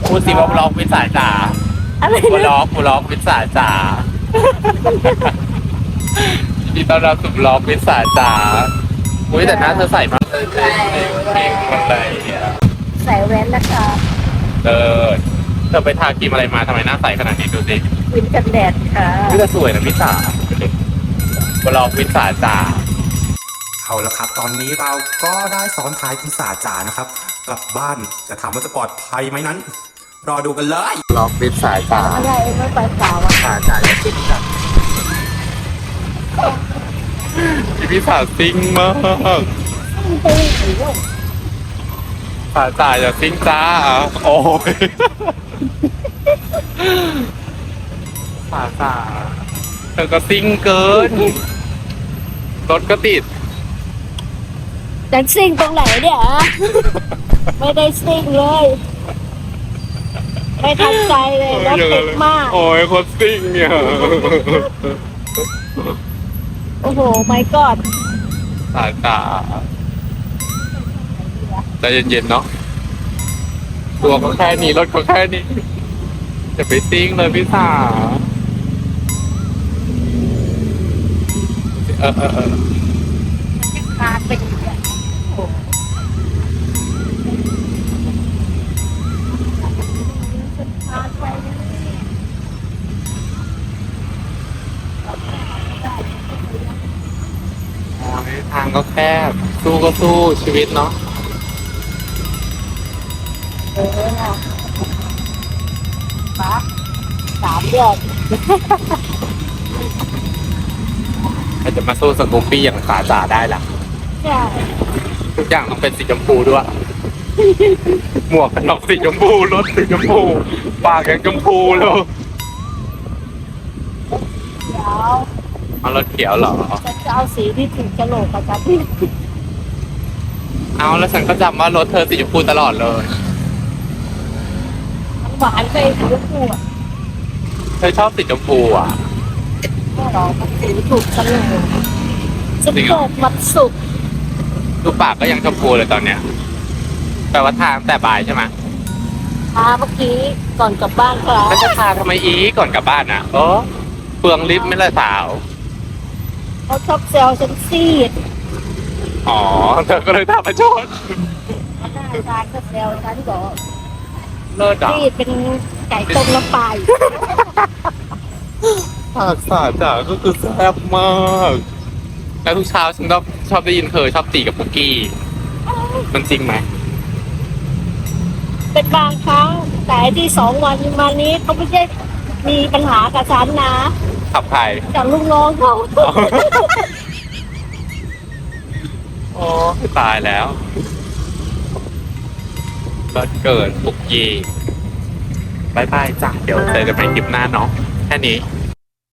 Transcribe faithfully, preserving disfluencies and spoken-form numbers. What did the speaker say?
พูดสิว่าบล็อกวิสาจ๋าอะไรบนะล็อกบล็อกวิสาจ๋ายินดีต้อนรับสู่บล็อกวิสาจ๋าอุ้ยแต่หน้าเธอใส่มากเลยเก่งหมดเลยเนี่ยใส่แว่นนะคะเออเธอไปทาครีมอะไรมาทำไมหน้าใสขนาดนี้ดูสิวินกันแดดค่ะนี่จะสวยนะวิสาบล็อกวิสาจ๋าเอาละครับ ตอนนี้เราก็ได้ซ้อนท้ายคุณสาจ๋านะครับ กลับบ้านจะถามว่าจะปลอดภัยไหมนั้น รอดูกันเลยบล็อกวิสาจ๋าอะไรไม่ไปสาวอ่ะสาจ๋าอย่าซิ่งจ้ะพี่สาซิ่งมากตีหรือว่าสาจ๋าอย่าซิ่งจ้าโอ้ยสาจ๋าเธอก็ซิ่งเกินรถก็ติดดันซิ่งตรงไหนเนี่ยฮะไม่ได้ซิ่งเลย ไม่ทันใจเลยรถติดมากโอ้ยโคตรซิ่งเนี่ยโอ้โหไม่กอดสาจ๋าใจเย็นๆเนาะตัวก็แค่นี้รถก็แค่นี้จะไปซิ่งเลยพี่สาวเออเออเออขาดไปอีกอ่ะโอ้โหโอ้ยทางก็แคบสู้ก็สู้ชีวิตเนาะเออน่ะฟ้าสามเดือนใครจะมาสู้สกูปปี้อย่างสาจ๋าได้ล่ะใช่ทุกอย่างต้องเป็นสีชมพูด้วย หมวกกันน็อกสีชมพูรถสีชมพูปากยังชมพูเลยเดี๋ยวเอารถเขียวเหรอฉันจะเอาสีที่ถึงกระโหลกกับกันที่เอาแล้วฉันก็จำว่ารถเธอสีชมพูตลอดเลยมันหวานไปสีชมพูอ่ะเธอชอบสีชมพูอ่ะก็หรอมันสีถูกกันเลยจะจริงเหรเกิอดวันศุกร์ดูปากก็ยังชมพูเลยตอนเนี้ยแปลว่าทางแต่บ่ายใช่ไหมพาเมื่อกี้ก่อนกลับบ้านครับแล้วจะทาทำไมอีก่อนกลับบ้านอ่ะเออเปลืองลิฟต์ไม่เลยสาวเขาชอบแซวฉันซีดอ๋อเธอก็เลยทาประชดหน้าตาก็แซวฉันบอกเลิศอ่ะซีดเป็นไก่ต้มน้ำปลาอยู่ปากสาจ๋าก็คือแซ่บมากแล้วทุกเช้าฉันก็ชอบได้ยินเธอชอบตีกับปุกกี้มันจริงไหมเป็นบางครั้งแต่ไอ้ที่สองวันมานี้เขาไม่ใช่มีปัญหากับฉันนะขับใครกับลูกน้องเขาโอ้ตายแล้วก็เกิดปุกกี้บายบายจ้ะเดี๋ยวเจอกันใหม่คลิปหน้าเนาะแค่นี้